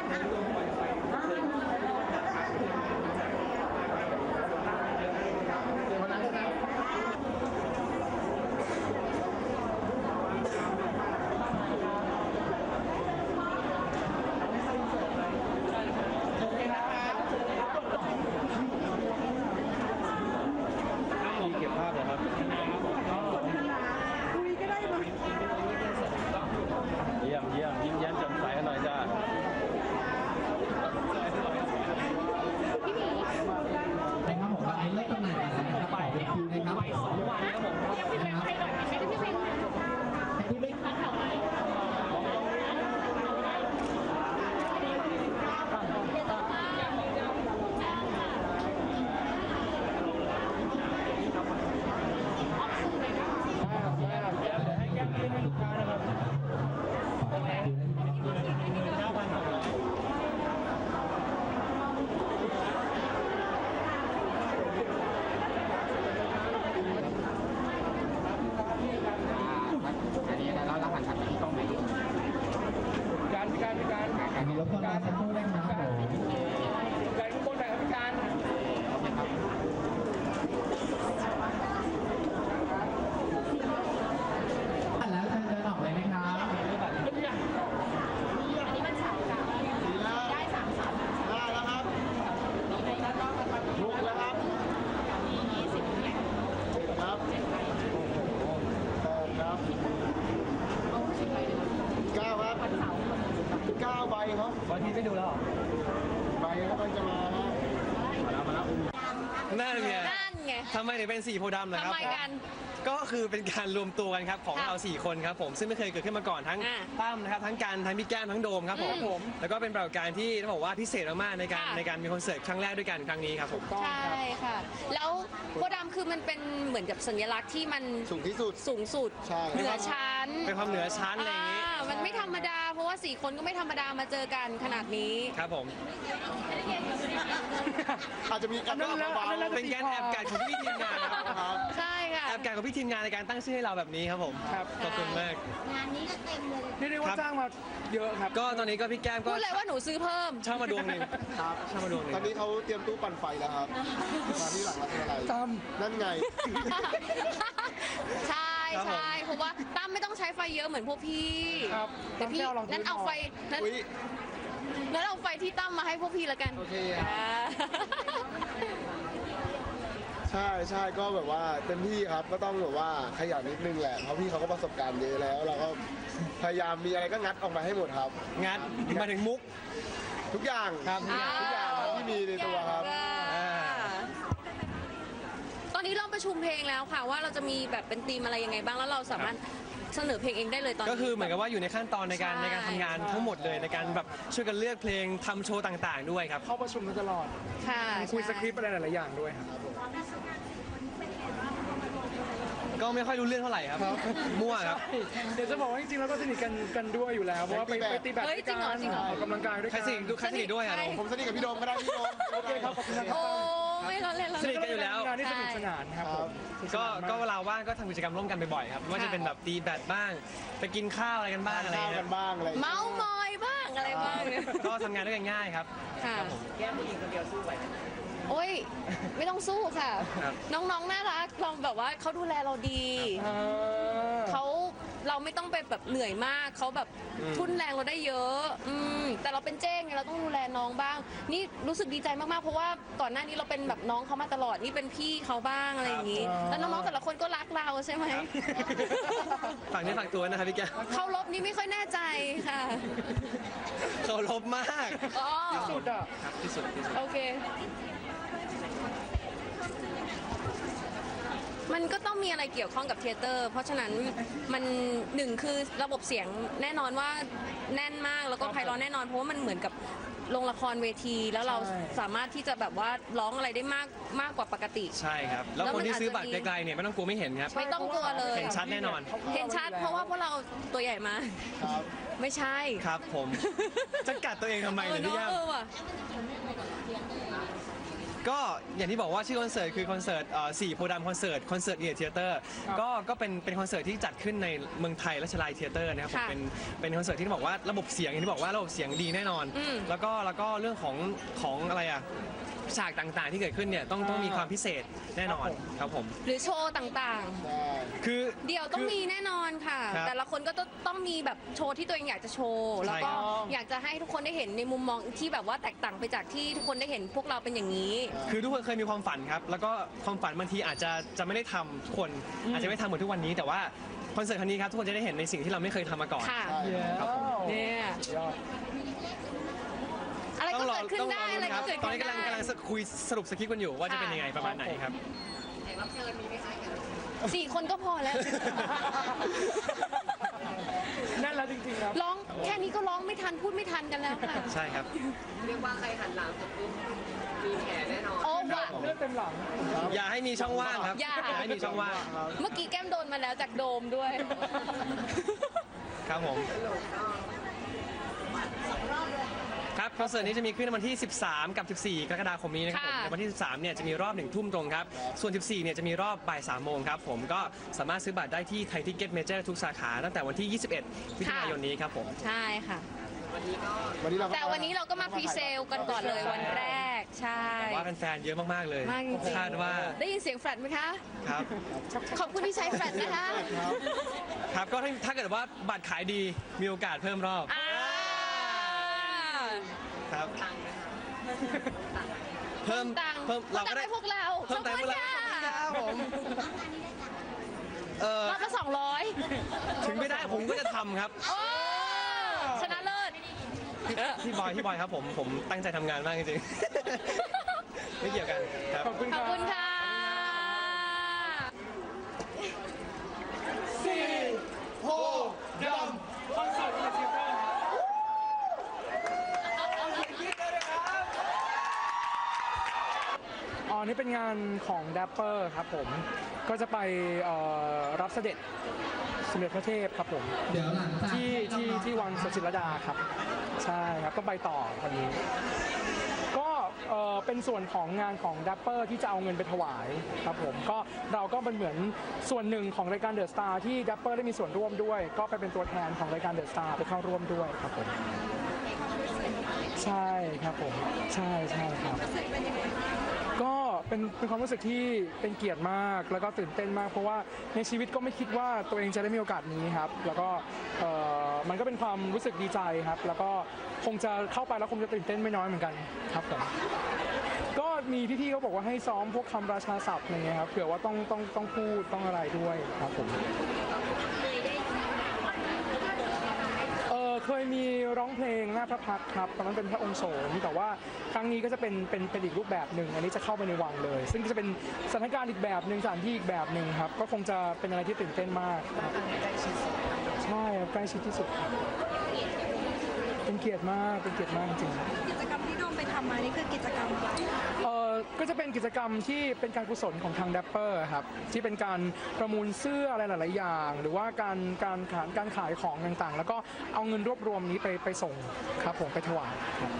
เก็บภาพเลยครับคุยก็ได้ไหมเยี่ยมยิ้มแย้มแจ่มใสกันหน่อยจ้านะครับผมตอนนี้เลิกตำแหน่งแล้วนะครับไปคิวนะครับไป2 วันครับผมพี่เป็นใครหน่อยไม่ได้พี่เป็นพี่เป็นแถวไหนให้แก้มให้ลูกค้านะครับอันนี้แล้วเราหันทางที่กล้องไหนการมีรถคนมาสักครู่ได้ครับผมการข้างบนหน่อยครับพี่การแล้วเชิญเดินออกเลยนะครับอันนี้มัน3 กับได้3 ได้แล้วครับลุกแล้วครับ 20เนี่ยครับครับ9ครับ9ใบครับวันที่ไม่ดูแล้วใบครับมันจะมามาแล้วนั่นไงนั่นไงทำไมถึงเป็นสีโพธิ์ดำล่ะครับทำไมกันก็คือเป็นการรวมตัวกันครับของค่ะเรา4 คนครับผมซึ่งไม่เคยเกิดขึ้นมาก่อนทั้งอ่าตั้มนะครับทั้งกันทั้งพี่แก้มทั้งโดมครับผมแล้วก็เป็นปรากฏการณ์ที่ต้องบอกว่าพิเศษมากๆในการค่ะในการมีคอนเสิร์ตครั้งแรกด้วยกันครั้งนี้ครับผมใช่ค่ะ แล้วโพธิ์ดำคือมันเป็นเหมือนกับสัญลักษณ์ที่มันสูงที่สุดสูงสุดใช่เหนือชั้นเป็นความเหนือชั้นอะไรอย่างนี้มันไม่ธรรมดา เพราะว่า4 คนก็ไม่ธรรมดามาเจอกันขนาดนี้ครับผมอาจจะมีการเบาๆเป็นการแอบกัดของพี่ทีมงานครับใช่ค่ะแอบกัดของพี่ทีมงานในการตั้งชื่อให้เราแบบนี้ครับผมครับขอบคุณมากงานนี้ก็เต็มเลยนี่เรียกว่าจ้างมาเยอะครับก็ตอนนี้ก็พี่แก้มก็พูดเลยว่าหนูซื้อเพิ่มเช่ามาดวงหนึ่งครับเช่ามาดวงหนึ่งตอนนี้เขาเตรียมตู้ปั่นไฟแล้วครับ มาที่หลังรัฐอะไรตั้มนั่นไงใช่เพราะว่าตั้มไม่ต้องใช้ไฟเยอะเหมือนพวกพี่ครับแต่พี่นั้นเอาไฟนั้นอุ๊ยนั้นเอาไฟที่ตั้มมาให้พวกพี่ละกันโอเคครับ ใช่ก็แบบว่าเต็มที่ครับก็ต้องแบบว่าขยันนิดนึงแหละเพราะพี่เขาก็ประสบการณ์เยอะแล้ว เราก็พยายามมีอะไรก็งัดออกมาให้หมดครับงัดมาถึงมุกทุกอย่างครับทุกอย่างครับที่มีในตัวครับตอนนี้เราประชุมเพลงแล้วค่ะว่าเราจะมีแบบเป็นธีมอะไรยังไงบ้างแล้วเราสามารถเสนอเพลงเองได้เลยตอนนี้ก็คือเหมือนกับว่าอยู่ในขั้นตอนในการใช่ในการทำงานทั้งหมดเลยในการแบบช่วยกันเลือกเพลงทำโชว์ต่างๆด้วยครับเข้าประชุมกันตลอดค่ะคุยสคริปต์อะไรหลายๆอย่างด้วยครับก็ไม่ค่อยรู้เรื่องเท่าไหร่ครับมั่วครับเดี๋ยวจะบอกว่าจริงๆแล้วก็สนิทกันด้วยอยู่แล้วเพราะว่าไปตีแบดด้วยกันออกกำลังกายด้วยใครกันสนิทใครสนิทด้วยอ่ะใช่เราผมสนิทกับพี่โดมก็ได้พี่โดมโอเคครับขอบคุณนะครัโอ้บไม่เราเล่นเราสนิทกันอยู่แล้วงานที่สนุกสนานครับผมก็เวลาว่างก็ทำกิจกรรมร่วมกันบ่อยๆครับไม่ว่าจะเป็นแบบตีแบดบ้าง ไปกินข้าวอะไรกันบ้างอะไรข้าวเงี้กัยนบ้างอะไรเมาส์มอยบ้างอะไรบ้างเนี่ยก็ทำงานด้วยกันง่ายครับค่ะแก้มผู้หญิงคนเดียวสู้ไหวโอ้ยไม่ต้องสู้ค่ะครับน้องๆน่ารักเราแบบว่าเขาดูแลเราดีเขาเราไม่ต้องไปแบบเหนื่อยมากเขาแบบทุ่นแรงเราได้เยอะแต่เราเป็นเจ้งไงเราต้องดูแลน้องบ้าง นี่รู้สึกดีใจมากๆเพราะว่าก่อนหน้านี้เราเป็นแบบน้องเขามาตลอดนี่เป็นพี่เขาบ้างอะไรอย่างนี้แล้วน้องๆแต่ละคนก็รักเราใช่ไหมฝากนี้ฝากตัวนะครับพี่แก้วเขาลบนี่ไม่ค่อยแน่ใจค่ะเคารพมากอ๋อสุดอ่ะครับที่สุดที่สุดโอเค มันก็ต้องมีอะไรเกี่ยวข้องกับเทยเตอร์ เพราะฉะนั้นมันหนึ่งคือระบบเสียงแน่นอนว่าแน่นมากแล้วก็ไพเราะแน่นอนเพราะว่ามันเหมือนกับโรงละครเวที แล้วเราสามารถที่จะแบบว่าร้องอะไรได้มากกว่าปกติใช่ครับ แล้วแล้วคมันนที่ซื้อบัตรอาจจะมีไกลๆเนี่ยไม่ต้องกลัวไม่เห็นครับไม่ต้องกลัวเลยเห็นชัดแน่นอนเห็นชัดเพราะว่าพวกเราตัวใหญ่มากครับไม่ใช่ครับผม จะกัดตัวเองทำไมเนี่ยพี่แก้มว่ะก็อย่างที่บอกว่าชื่อคอนเสิร์ตคือคอนเสิร์ต4โพธิ์ดำคอนเสิร์ตเอียร์เทเตอร์ก็เป็นคอนเสิร์ตที่จัดขึ้นในเมืองไทยราชลายเทเตอร์นะครับผมค่ะเป็นคอนเสิร์ตที่บอกว่าระบบเสียงอย่างที่บอกว่าระบบเสียงดีแน่นอน แล้วก็เรื่องของอะไรอะฉากต่างๆที่เกิดขึ้นเนี่ยต้องมีความพิเศษแน่นอนครับผมหรือโชว์ต่างคือๆ เดี๋ยวต้องมีแน่นอนค่ะครับแต่ละคนก็ต้องมีแบบโชว์ที่ตัวเองอยากจะโชว์ แล้วก็ใช่ครับอยากจะให้ทุกคนได้เห็นในมุมมองที่แบบว่าแตกต่างไปจากที่ทุกคนได้เห็นพวกเราเป็นอย่างนี้คือทุกคนเคยมีความฝันครับ แล้วก็ความฝันบางทีอาจจะไม่ได้ทำทุกคนอาจจะไม่ทำเหมือนทุกวันนี้ แต่ว่าคอนเสิร์ตครั้งนี้ครับทุกคนจะได้เห็นในสิ่งที่เราไม่เคยทำมาก่อนค่ะครับผมเนี่ยยอดอะไรก็เกิดขึ้นได้อะไรคก็รับเกิดตอนขึ้นี้นได้กำลังคุยสรุปสคริปต์กันอยู่ว่าจะเป็นยังไงประมาณไหนครับ 4 คนก็พอแล้วนั่นแล้วจริงๆครับร้องแค่นี้ก็ร้องไม่ทันพูดไม่ทันกันแล้วค่ะใช่ครับเรียกว่าใครหันหลังเสร็จปุ๊บมีแผลแน่นอนโอ้ว่ะเลือดเต็มหลังอย่าให้มีช่องว่างครับอย่าให้มีช่องว่างเมื่อกี้แก้มโดนมาแล้วจากโดมด้วยครับผมครับคอนเสิร์ตนี้จะมีขึ้นในวันที่ 13 กับ 14 กรกฎาคมนี้นะครับผมค่ะในวันที่ 13 เนี่ยจะมีรอบ 1 ทุ่มตรงครับ ส่วน 14 เนี่ยจะมีรอบบ่าย 3 โมงครับผมก็สามารถซื้อบัตรได้ที่ไทยทิกเก็ตเมเจอร์ทุกสาขาตั้งแต่วันที่ 21 มิถุนายนนี้ครับผมใช่ค่ะวันนี้เราก็แต่วันนี้เราก็มาพรีเซลกันก่อนเลยวันแรก ใช่ว่าแฟนๆเยอะมากๆเลยมากจริงๆคาดว่าได้ยินเสียงแฟลตไหมคะครับขอบคุณที่ใช้แฟลตนะคะครับก็ถ้าเกิดว่าบัตรขายดีมีโอกาสเพิ่มรอบอ่าครับเพิ่มตังค์เพิ่มเราก็ได้ให้พวกเราเพิ่มตังค์ให้พวกเราขอบคุณค่ะครับผมรอบละ200 ถึงไม่ได้ผมก็จะทำครับโอ้ชนะเลิศพี่บอยครับผมตั้งใจทำงานมากจริงๆ ไม่เกี่ยวกันครับขอบคุณขคอบรับคุณค่ะโพดำคอนเสิร์ตเอเชียเตอร์อ๋อนี่เป็นงานของแดปเปอร์ครับผม ก็จะไปรับเสด็จสมเด็จพระเทพครับผมเดี๋ยวหลังจากที่วังสจิรดาครับ ใช่ครับก็ไปต่อวันนี้ ก็เป็นส่วนของงานของดัปเปอร์ที่จะเอาเงินไปถวายครับผมก็เราก็เป็นเหมือนส่วนหนึ่งของรายการเดอะสตาร์ที่ดัปเปอร์ได้มีส่วนร่วมด้วย ก็ไปเป็นตัวแทนของรายการเดอะสตาร์ไปเข้าร่วมด้วยครับผมใช่ครับผมใช่ครับก็เป็นความรู้สึกที่เป็นเกียรติมากแล้วก็ตื่นเต้นมาก เพราะว่าในชีวิตก็ไม่คิดว่าตัวเองจะได้มีโอกาสนี้ครับแล้วก็มันก็เป็นความรู้สึกดีใจครับแล้วก็คงจะเข้าไปแล้วคงจะตื่นเต้นไม่น้อยเหมือนกันครับผมก็มีพี่ๆเขาบอกว่าให้ซ้อมพวกคำราชาศัพท์อะไรเงี้ยครับเผื่อว่าต้องพูดต้องอะไรด้วยครับผมเคยมีร้องเพลงหน้าพระพักตร์ครับตอนนั้นเป็นพระองค์โสมแต่ว่าครั้งนี้ก็จะเป็นอีกรูปแบบหนึ่งอันนี้จะเข้าไปในวังเลย ซึ่งจะเป็นสถานการณ์อีกแบบหนึ่งสถานที่อีกแบบหนึ่งครับก็คงจะเป็นอะไรที่ตื่นเต้นมากครับใช่ครับใกล้ชิดที่สุดครับเป็นเกียรติมากจริงกิจกรรมที่โดมไปทำมานี่คือกิจกรรมอะไรก็จะเป็นกิจกรรมที่เป็นการกุศลของทางดัปเปอร์ครับที่เป็นการประมูลเสื้ออะไรหลายๆอย่าง หรือว่าการขายของต่างๆ แล้วก็เอาเงินรวบรวมนี้ไปส่งครับผมไปถวายครับ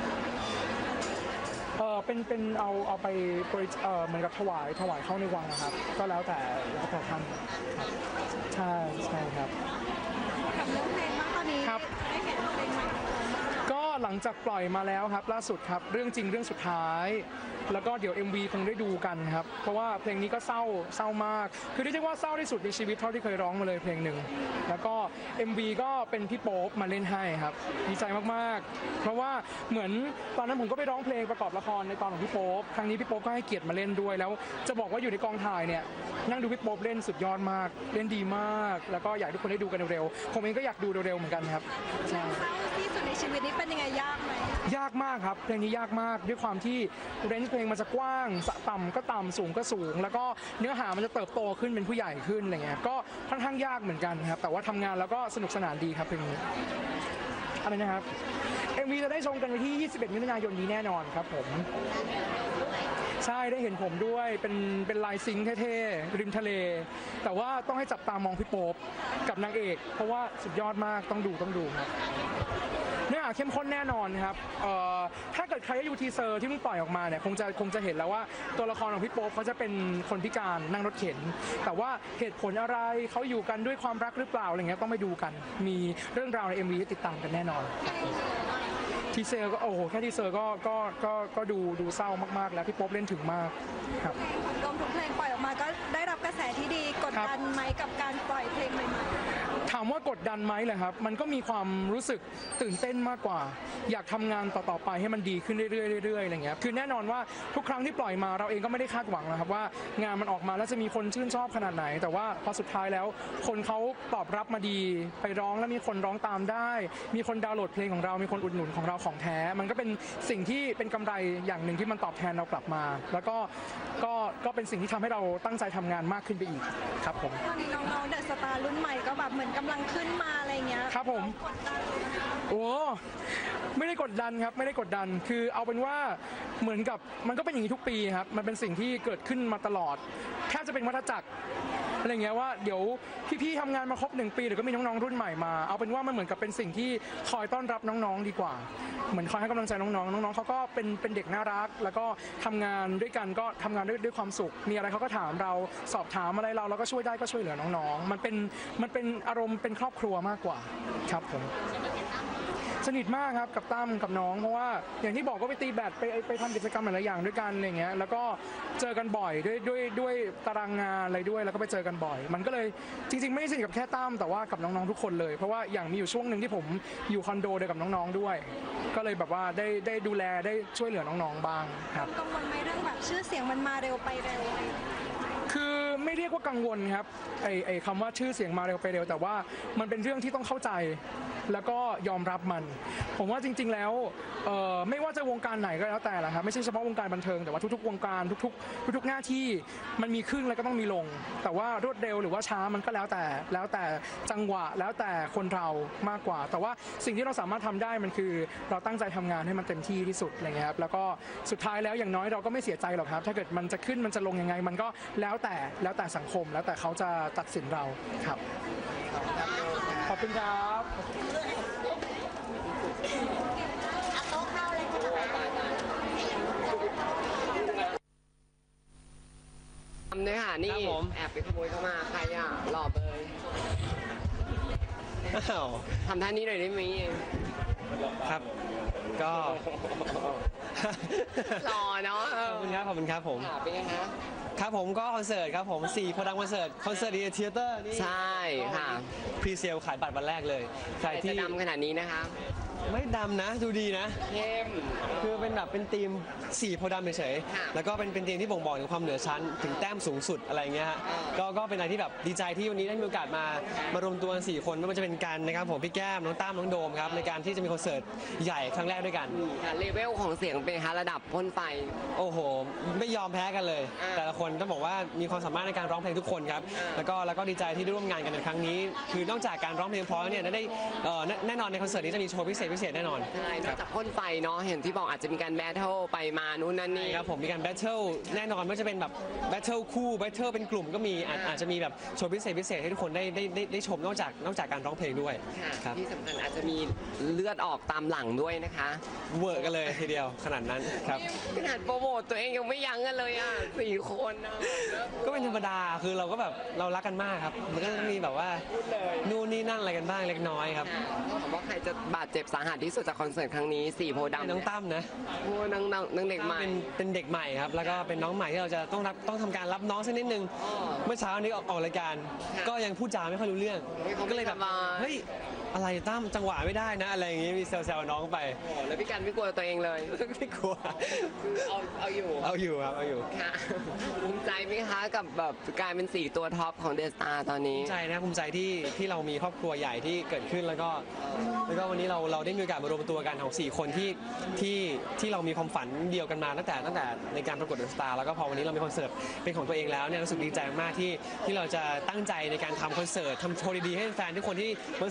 เป็นเอาไปเหมือนกับถวายเข้าในวังนะครับก็แล้วแต่ท่านครับใช่ครับกับเรื่องเพลงบ้างตอนนี้ครับได้เห็นเพลงใหม่ของเราบ้างไหมคะก็หลังจากปล่อยมาแล้วครับล่าสุดครับเรื่องจริงเรื่องสุดท้าย แล้วก็เดี๋ยว MV คงได้ดูกันครับเพราะว่าเพลงนี้ก็เศร้ามากคือเรียกได้ว่าเศร้าที่สุดในชีวิตเท่าที่เคยร้องมาเลยเพลงหนึ่งแล้วก็ MV ก็เป็นพี่โป๊ปมาเล่นให้ครับดีใจมากๆ เพราะว่าเหมือนตอนนั้นผมก็ไปร้องเพลงประกอบละครในตอนของพี่โป๊ปครั้งนี้พี่โป๊ปก็ให้เกียรติมาเล่นด้วยแล้วจะบอกว่าอยู่ในกองถ่ายเนี่ยนั่งดูพี่โป๊ปเล่นสุดยอดมากเล่นดีมาก แล้วก็อยากให้ทุกคนได้ดูกันเร็วๆผมเองก็อยากดูเร็วๆเหมือนกันครับใช่เศร้าที่สุดในชีวิตนี้เป็นยังไงยากไหมยากมากครับเพลงนี้ยากมากด้วยความที่เรนจ์เพลงมันจะกว้างต่ำก็ต่ำสูงก็สูง แล้วก็เนื้อหามันจะเติบโตขึ้นเป็นผู้ใหญ่ขึ้นอะไรเงี้ยก็ค่อนข้างยากเหมือนกันครับแต่ว่าทำงานแล้วก็สนุกสนานดีครับเพลงนี้อะไรนะครับ MV จะได้ชมกันวันที่ 21 มิถุนายนนี้แน่นอนครับผมใช่ได้เห็นผมด้วยเป็นลายซิงค์เท่ๆริมทะเล แต่ว่าต้องให้จับตามองพี่โป๊ปกับนางเอกเพราะว่าสุดยอดมากต้องดูครับเนื้อหาเข้มข้นแน่นอนครับถ้าเกิดใครได้ดูทีเซอร์ที่เพิ่งปล่อยออกมาเนี่ยคงจะเห็นแล้วว่าตัวละครของพี่โป๊ปเขาจะเป็นคนพิการนั่งรถเข็น แต่ว่าเหตุผลอะไรเขาอยู่กันด้วยความรักหรือเปล่าอะไรเงี้ยต้องไปดูกันมีเรื่องราวใน MV ให้ติดตามกันแน่นอนทีเซอร์ก็โอ้โหแค่ทีเซอร์ก็ดูเศร้ามากๆแล้วพี่โป๊ปเล่นถึงมากครับรวมทุกเพลงปล่อยออกมาก็ได้รับกระแสที่ดีกดดันไหมกับการปล่อยเพลงใหม่ๆถามว่ากดดันไหมเลยครับมันก็มีความรู้สึกตื่นเต้นมากกว่า อยากทำงานต่อๆไปให้มันดีขึ้นเรื่อยๆอะไรเงี้ยคือแน่นอนว่าทุกครั้งที่ปล่อยมาเราเองก็ไม่ได้คาดหวังนะครับว่างานมันออกมาแล้วจะมีคนชื่นชอบขนาดไหน แต่ว่าพอสุดท้ายแล้วคนเขาตอบรับมาดีไปร้องแล้วมีคนร้องตามได้ มีคนดาวน์โหลดเพลงของเรามีคนอุดหนุนของเราของแท้มันก็เป็นสิ่งที่เป็นกำไรอย่างหนึ่งที่มันตอบแทนเรากลับมา แล้วก็เป็นสิ่งที่ทำให้เราตั้งใจทำงานมากขึ้นไปอีกครับผมตอนนี้น้องๆเดอะสตาร์รุ่นใหม่ก็แบบเหมือนกำลังขึ้นมาอะไรเงี้ยครับผมกดดันโอ้ไม่ได้กดดันครับไม่ได้กดดันคือเอาเป็นว่าเหมือนกับมันก็เป็นอย่างนี้ทุกปีครับมันเป็นสิ่งที่เกิดขึ้นมาตลอดแทบจะเป็นวัฏจักรอะไรเงี้ยว่าเดี๋ยวพี่ๆทำงานมาครบ1 ปีเดี๋ยวก็มีน้องๆรุ่นใหม่มาเอาเป็นว่ามันเหมือนกับเป็นสิ่งที่คอยต้อนรับน้องๆดีกว่าเหมือนคอยให้กำลังใจน้องๆน้องๆเขาก็เป็นเด็กน่ารักแล้วก็ทำงานด้วยกันก็ทำงานด้วยความสุขมีอะไรเขาก็ถามเราสอบถามอะไรเราก็ช่วยได้ก็ช่วยเหลือน้องๆมันเป็นอารมณ์เป็นครอบครัวมากกว่าครับผมสนิทมากครับกับตั้มกับน้องเพราะว่าอย่างที่บอกก็ไปตีแบดไปทำกิจกรรมหลายๆอย่างด้วยกันอะไรเงี้ยแล้วก็เจอกันบ่อยด้วยตารางงานอะไรด้วยแล้วก็ไปเจอกันบ่อย มันก็เลยจริงๆไม่ได้สนิทกับแค่ตั้มแต่ว่ากับน้องๆทุกคนเลยเพราะว่าอย่างมีอยู่ช่วงหนึ่งที่ผมอยู่คอนโดเดียวกับน้องๆด้วย ก็เลยแบบว่าได้ดูแลได้ช่วยเหลือน้องๆบ้างครับกังวลไหมเรื่องแบบชื่อเสียงมันมาเร็วไปเร็วอะไรอย่างเงี้ยคือไม่เรียกว่ากังวลครับไอ้คำว่าชื่อเสียงมาเร็วไปเร็วแต่ว่ามันเป็นเรื่องที่ต้องเข้าใจแล้วก็ยอมรับมัน ผมว่าจริงๆแล้วไม่ว่าจะวงการไหนก็แล้วแต่ละครับไม่ใช่เฉพาะวงการบันเทิงแต่ว่าทุกๆวงการทุกๆหน้าที่มันมีขึ้นแล้วก็ต้องมีลง แต่ว่ารวดเร็วหรือว่าช้ามันก็แล้วแต่จังหวะแล้วแต่คนเรามากกว่า แต่ว่าสิ่งที่เราสามารถทำได้มันคือเราตั้งใจทำงานให้มันเต็มที่ที่สุดอะไรเงี้ยครับแล้วก็สุดท้ายแล้วอย่างน้อยเราก็ไม่เสียใจหรอกครับถ้าเกิดมันจะขึ้นมันจะลงยังไงมันก็แล้วแต่สังคมแล้วแต่เขาจะตัดสินเราครับขอบคุณครับทำด้วยค่ะนี่ครับผมแอบไปขโมยเข้ามาใครอ่ะหล่อเบยอ้าวทำท่านี้หน่อยได้ไหมครับก็หล่อเนาะขอบคุณครับขอบคุณครับผมค่ะเป็นไงคะครับผมก็คอนเสิร์ตครับผม4โพดังคอนเสิร์ตดีเทเตอร์นี่ใช่ค่ะพรีเซลขายบัตรวันแรกเลยใครแต่ที่จะดำขนาดนี้นะคะไม่ดำนะดูดีนะเข้มคือเป็นแบบเป็นทีม4โพธิ์ดำเฉยค่ะๆแล้วก็เป็นทีมที่บ่งบอกถึงความเหนือชั้นถึงแต้มสูงสุดอะไรเงี้ยฮะก็เป็นอะไรที่แบบดีใจที่วันนี้ได้มีโอกาสมารวมตัวกัน4คนไม่ว่าจะเป็นการนะครับผมพี่แก้มน้องตั้มน้องโดมครับในการที่จะมีคอนเสิร์ตใหญ่ครั้งแรกด้วยกันค่ะเลเวลของเสียงเป็นคะระดับพ่นไฟโอ้โห ไม่ยอมแพ้กันเลย แต่ละคนต้องบอกว่ามีความสามารถในการร้องเพลงทุกคนครับแล้วก็ดีใจที่ได้ร่วมงานกันในครั้งนี้ คือนอกจากการร้องเพลงเพราะเนี่ยได้แน่นอนในคอนเสิร์ตนี้จะมีโชว์พิเศษแน่นอนใช่นอกจากพ่นไฟเนาะเห็นที่บอกอาจจะมีการแบทเทิลไปมานู่นนั่นนี่ครับผมมีการแบทเทิลแน่นอนไม่ว่าจะเป็นแบบแบทเทิลคู่แบทเทิลเป็นกลุ่มก็มีอาจจะมีแบบโชว์พิเศษให้ทุกคนได้ชมนอกจากการร้องเพลงด้วยค่ะครับที่สำคัญอาจจะมีเลือดออกตามหลังด้วยนะคะเวอร์กันเลยทีเดียวขนาดนั้นครับขนาดโปรโมทตัวเองยังไม่ยั้งกันเลยอ่ะ4 คนนะก็เป็นธรรมดาคือเราก็แบบเรารักกันมากครับมันก็ต้องมีแบบว่านู่นนี่นั่นอะไรกันบ้างเล็กน้อยครับถามว่าใครจะบาดเจ็บสาหัสที่สุดจากคอนเสิร์ตครั้งนี้4โพธิ์ดำน้องตั้มนะโอ้น้องเด็กใหม่เป็นเด็กใหม่ครับแล้วก็เป็นน้องใหม่ที่เราจะต้องทำการรับน้องสักนิดนึงอ๋อเมื่อเช้านี้ออกรายการค่ะก็ยังพูดจาไม่ค่อยรู้เรื่องเขาไม่ก็เลยแบบสบายเฮ้ยอะไรตั้มจังหวะไม่ได้นะอะไรอย่างงี้มีแซวๆน้องไปโอ้แล้วพี่กันไม่กลัวตัวเองเลยไม่กลัวเอาอยู่เอาอยู่ครับเอาอยู่ค่ะภูมิใจไหมคะกับแบบกลายเป็น4ตัวท็อปของเดสตาตอนนี้ภูมิใจนะภูมิใจที่เรามีครอบครัวใหญ่ที่เกิดขึ้นแล้วก็วันนี้เราได้มีโอกาสมารวมตัวกันของ4คนที่เรามีความฝันเดียวกันมาตั้งแต่ในการประกวดเดอะสตาร์แล้วก็พอวันนี้เรามีคอนเสิร์ตเป็นของตัวเองแล้วเนี่ยรู้สึกดีใจมากที่เราจะตั้งใจในการทำคอนเสิร์ตทำโชว์ดีๆให้แฟนทุกคนที่มาซื้อบัตรวันนี้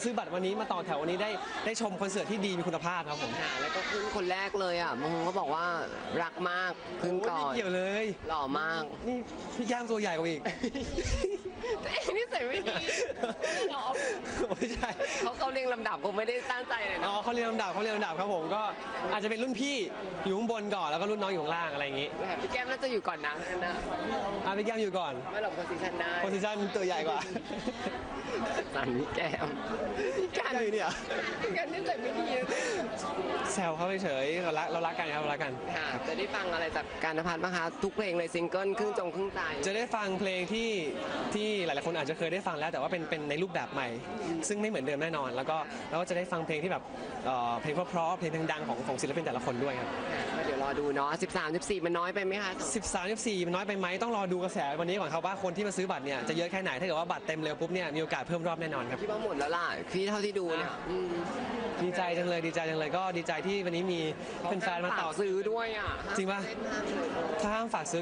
นี้มาต่อแถววันนี้ได้ชมคอนเสิร์ตที่ดีมีคุณภาพครับผมค่ะแล้วก็ขึ้นคนแรกเลยอ่ะบางคนก็บอกว่ารักมากขึ้นก่อนไม่เกี่ยวเลยหล่อมากนี่พี่แก้มตัวใหญ่กว่าอีกตัวเองนี่ใส่ไม่ดีหรอไม่ใช่เขาเรียงลำดับคงไม่ได้ตั้งใจเลยอ๋นะอเขาเรียนลำดับครับผมก็อาจจะเป็นรุ่นพี่อยู่ข้างบนก่อนแล้วก็รุ่นน้องอยู่ข้างล่างอะไรอย่างงี้พี่แก้มน่าจะอยู่ก่อนนะนะพี่แก้มอยู่ก่อนไม่หลบโพสิชันได้โพซิชั่นตัวใหญ่กว่าสั่นพี่แก้มพี่กันเลยเนี่ยพี่กันนี่ใส่ไม่ดีเลยแซวเขาเฉยๆเรารักกันครับเรารักกันค่ะจะได้ฟังอะไรจากการณพัฒน์บ้างคะทุกเพลงเลยซิงเกิลครึ่งจงครึ่งใจจะได้ฟังเพลงที่หลายๆคนอาจจะเคยได้ฟังแล้วแต่ว่าเป็นในรูปแบบใหม่ ซึ่งไม่เหมือนเดิมแน่นอน แล้วก็จะได้ฟังเพลงที่แบบเพลงเพราะๆเพลงดังๆของศิลปินแต่ละคนด้วยครับก็เดี๋ยวรอดูเนาะ13 14มันน้อยไปไหมคะ 13 14มันน้อยไปไหมต้องรอดูกระแสวันนี้ก่อนครับว่าคนที่มาซื้อบัตรเนี่ยจะเยอะแค่ไหนถ้าเกิดว่าบัตรเต็มเร็วปุ๊บเนี่ยมีโอกาสเพิ่มรอบแน่นอนครับพี่ว่าหมดแล้วล่ะพี่เท่าที่ดูเนี่ยดีใจจังเลยก็ดีใจที่วันนี้มีแฟนๆมาต่อซื้อด้วยอ่ะจริงปะ ถ้าห้ามฝากซื้อ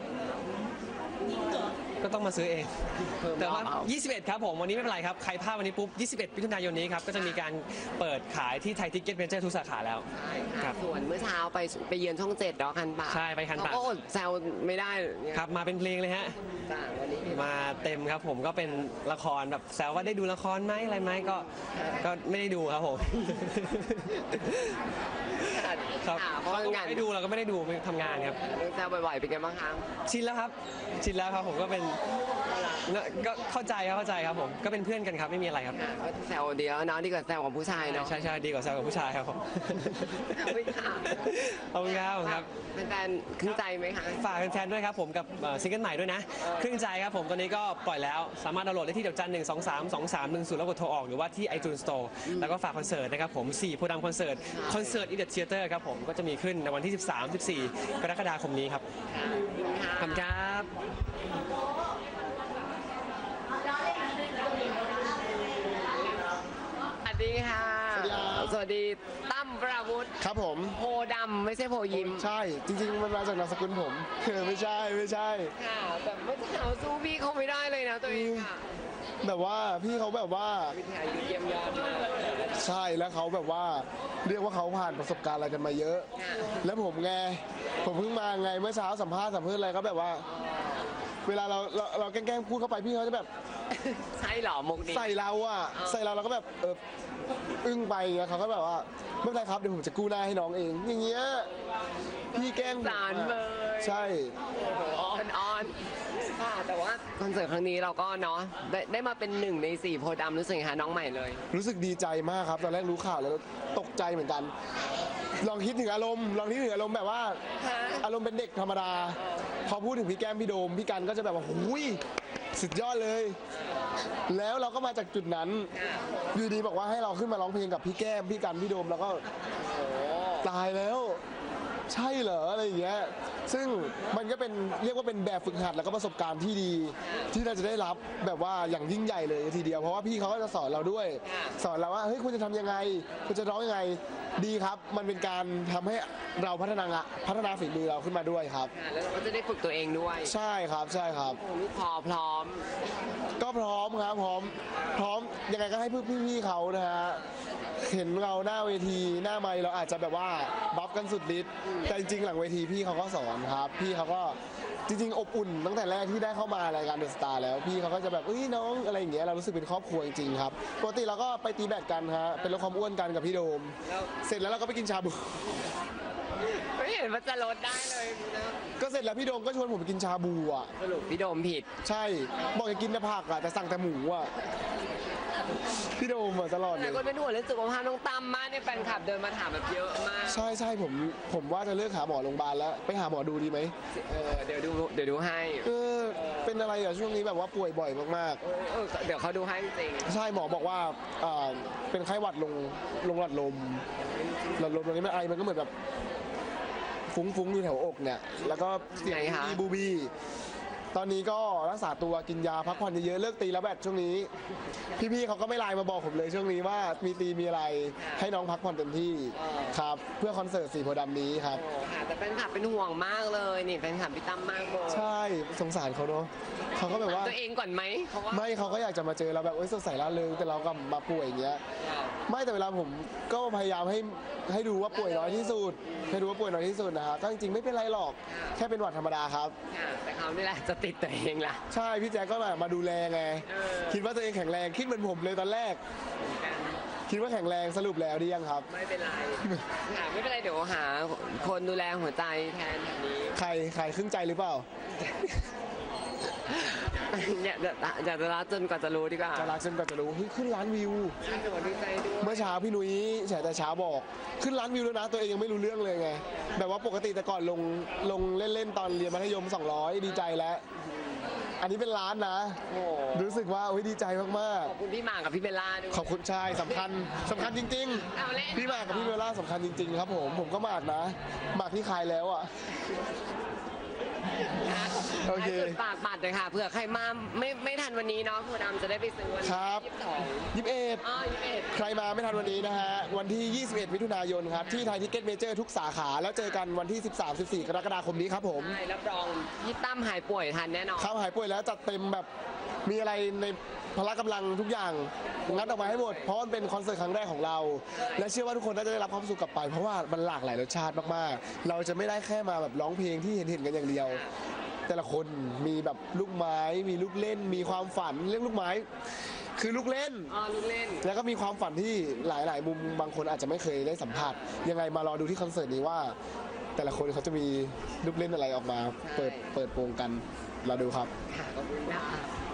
ก็ต้องมาซื้อเอง แต่ว่า 21 ครับผม วันนี้ไม่เป็นไรครับ ใครพลาดวันนี้ปุ๊บ 21 มิถุนายนนี้ครับ ก็จะมีการเปิดขายที่ไทยทิกเก็ตเมเจอร์ทุกสาขาแล้ว ครับส่วนเมื่อเช้าไปเยือนช่อง7เนาะคันปากใช่ไปคันปากก็อดแซวไม่ได้เนี่ยครับ มาเป็นเพลงเลยฮะจ้ะวันนี้มาเต็มครับผมก็เป็นละครแบบแซวว่าได้ดูละครไหมอะไรไหมก็ไม่ได้ดูครับผม ครับเพราะงานไม่ดูเราก็ไม่ได้ดูไปทำงานครับเรื่องแซวบ่อยๆเป็นไงบ้างคะชินแล้วครับผมก็เป็นก็เข้าใจครับผมก็เป็นเพื่อนกันครับไม่มีอะไรครับก็แซวเดียวเนาะดีกว่าแซวของผู้ชายเนาะใช่ดีกว่าแซวกับผู้ชายครับผมไม่ค่ะขอบคุณครับเป็นแฟนๆขึ้นใจไหมคะฝากแฟนๆด้วยครับผมกับซิงเกิลใหม่ด้วยนะครึ่งใจครับผมตอนนี้ก็ปล่อยแล้วสามารถดาวน์โหลดได้ที่ดอกจัน1232310แล้วกดโทรออกหรือว่าที่ iTunes Store แล้วก็ฝากคอนเสิร์ตนะครับผม4โพธิ์ดำคอนเสิร์ตอีเดอะเทเตอร์ครับผมก็จะมีขึ้นในวันที่ 13-14 กรกฎาคมนี้ครับขอบคุณครับสวัสดีค่ะสวัสดีครับสวัสดีตั้มประวุฒิครับผมโพดำไม่ใช่โพยิ้มใช่จริงๆมันมาจากนามสกุลผม ไม่ใช่ค่ะแต่เมื่อเช้าสู้พี่เขาไม่ได้เลยนะตัวเองค่ะแบบว่าพี่เขาแบบว่าวิทยายุทธเยี่ยมยอดมากใช่แล้วเขาแบบว่าเรียกว่าเขาผ่านประสบการณ์อะไรกันมาเยอะ แล้วผมเพิ่งมาไงเมื่อเช้าสัมภาษณ์อะไรก็แบบว่า เวลาเราแกล้งพูดเข้าไปพี่เขาจะแบบใช่เหรอมุกนี้ใส่เราเราก็แบบอึ้งไปอย่างเงี้ยเขาก็แบบว่าไม่เป็นไรครับเดี๋ยวผมจะกู้หน้าให้น้องเองอย่างเงี้ยพี่แกล้งผมสารเลยใช่ออนค่ะแต่ว่าคอนเสิร์ตครั้งนี้เราก็เนาะได้มาเป็น1 ใน 4โพดำรู้สึกไงคะน้องใหม่เลยรู้สึกดีใจมากครับตอนแรกรู้ข่าวแล้วตกใจเหมือนกัน ลองคิดถึงอารมณ์แบบว่า อารมณ์เป็นเด็กธรรมดา พอพูดถึงพี่แก้มพี่โดมพี่กันก็จะแบบว่าหุยสุดยอดเลย แล้วเราก็มาจากจุดนั้นอยู่ดีบอกว่าให้เราขึ้นมาร้องเพลงกับพี่แก้มพี่กันพี่โดมแล้วก็ตายแล้ว ใช่เหรออะไรอย่างเงี้ยซึ่งมันก็เป็นเรียกว่าเป็นแบบฝึกหัดแล้วก็ประสบการณ์ที่ดี ที่เราจะได้รับแบบว่าอย่างยิ่งใหญ่เลยทีเดียวเพราะว่าพี่เขาก็จะสอนเราด้วย สอนเราว่าเฮ้ยคุณจะทำยังไงคุณจะร้องยังไงดีครับ มันเป็นการทำให้เราพัฒนาฝีมือเราขึ้นมาด้วยครับค่ะแล้วเราก็จะได้ฝึกตัวเองด้วยใช่ครับลูกคอพร้อมก็พร้อมครับพร้อมยังไงก็ให้พี่ๆเขานะฮะเห็นเราหน้าเวทีหน้าไมค์เราอาจจะแบบว่าบัฟกันสุดฤทธิ์แต่จริงๆหลังเวทีพี่เขาก็สอนครับพี่เขาก็จริงๆอบอุ่นตั้งแต่แรกที่ได้เข้ามารายการเดอะสตาร์แล้วพี่เขาก็จะแบบเอ้ยน้องอะไรอย่างเงี้ยเรารู้สึกเป็นครอบครัวจริงๆครับปกติเราก็ไปตีแบดกันฮะเป็นลดความอ้วนกันกับพี่โดม เสร็จแล้วเราก็ไปกินชาบูไม่เห็นว่าจะลดได้เลยนะก็เสร็จแล้วพี่โดมก็ชวนผมไปกินชาบูอ่ะสรุปพี่โดมผิดใช่บอกจะกินแต่ผักอ่ะแต่สั่งแต่หมูอ่ะพี่โดมอ่ะตลอดเลแต่ยคนเป็นห่วงเรื่องสุขภาพน้องตั้มมากเนี่ยแฟนคลับเดินมาถามแบบเยอะมากใช่ผมว่าจะเลิกหาหมอโรงพยาบาลแล้วไปหาหมอดูดีไหมเดี๋ยวดูให้เป็นอะไรอ่ะช่วงนี้แบบว่าป่วยบ่อยมากเดี๋ยวเขาดูให้จริงๆใช่หมอบอกว่าเป็นไข้หวัดลงหลอดลมตรงนี้มันไอมันก็เหมือนแบบฟุ้งๆอยู่แถวอกเนี่ยแล้วก็เสียงบูบีตอนนี้ก็รักษาตัวกินยาพักผ่อนเยอะๆเลิกตีแล้วแบตช่วงนี้ พี่ๆเขาก็ไม่ไลน์มาบอกผมเลยช่วงนี้ว่ามีตีมีอะไรให้น้องพักผ่อนเต็มที่ครับเพื่อคอนเสิร์ตสีโพธิ์ดำนี้ครับโอ้ค่ะแต่แฟนคลับเป็นห่วงมากเลยนี่แฟนคลับพี่ตั้มมากเลยใช่สงสารเขาเนาะเขาก็แบบว่าตัวเองก่อนไหมเขาว่าไม่เขาก็อยากจะมาเจอเราแบบสดใสร่าเริงแต่เราก็มาป่วยอย่างเงี้ยไม่แต่เวลาผมก็พยายามให้ดูว่าป่วยน้อยที่สุดให้ดูว่าป่วยน้อยที่สุดนะฮะก็จริงๆไม่เป็นไรหรอกแค่เป็นหวัดธรรมดาครับค่ะแต่เขานี่แหละจะติดตัวเองล่ะใช่พี่แจ๊คก็แบบมาดูแลไงคิดว่าตัวเองแข็งแรงคิดเหมือนผมเลยตอนแรก คิดว่าแข็งแรงสรุปแล้วดียังครับไม่เป็นไรค่ะไม่เป็นไรเดี๋ยวหาคนดูแลหัวใจแทนแบบนี้ใครครึ่งใจหรือเปล่าอยากจะรักจนกว่าจะรู้ดีกว่าจะรักจนกว่าจะรู้เฮ้ยขึ้นล้านวิวใช่หนูดีใจด้วยเมื่อเช้าพี่นุ้ยแฉแต่เช้าบอกขึ้นล้านวิวแล้วนะตัวเองยังไม่รู้เรื่องเลยไงแบบว่าปกติแต่ก่อนลงเล่นๆตอนเรียนมัธยม200ดีใจแล้ว อันนี้เป็นล้านนะโอ้รู้สึกว่าดีใจมากขอบคุณพี่หมากกับพี่เบลล่าด้วยๆขอบคุณชายสำคัญจริงเอาเล่นๆพี่หมากกับพี่เบลล่าสำคัญจริงๆครับผมก็หมากนะหมากที่คายแล้วอ่ะ โอเคให้สุดปากบัตรเลยค่ะเผื่อใครมาไม่ทันวันนี้เนาะโพธิ์ดำจะได้ไปซื้อวันครับที่22 21 อ๋อ21 ใครมาไม่ทันวันนี้นะฮะ วันที่ 21 มิถุนายนครับ ที่ไทยทิกเก็ตเมเจอร์ทุกสาขา แล้วเจอกันวันที่ 13-14 กรกฎาคมนี้ครับผมใช่รับรองพี่ตั้มหายป่วยทันแน่นอนครับหายป่วยแล้วจัดเต็มแบบมีอะไรในพละกำลังทุกอย่างงัดออกมาให้หมด เพราะมันเป็นคอนเสิร์ตครั้งแรกของเรา และเชื่อว่าทุกคนน่าจะได้รับความสุขกลับไป เพราะว่ามันหลากหลายรสชาติมากๆ เราจะไม่ได้แค่มาแบบร้องเพลงที่เห็นกันอย่างเดียว แต่ละคนมีแบบลูกไม้มีลูกเล่น มีความฝันเรื่องลูกไม้ คือลูกเล่นอ๋อลูกเล่นแล้วก็มีความฝันที่หลาย ๆ มุมบางคนอาจจะไม่เคยได้สัมผัสยังไงมารอดูที่คอนเสิร์ตนี้ว่า แต่ละคนเขาจะมีลูกเล่นอะไรออกมา เปิดโปงกันรอดูครับค่ะขอบคุณค่ะ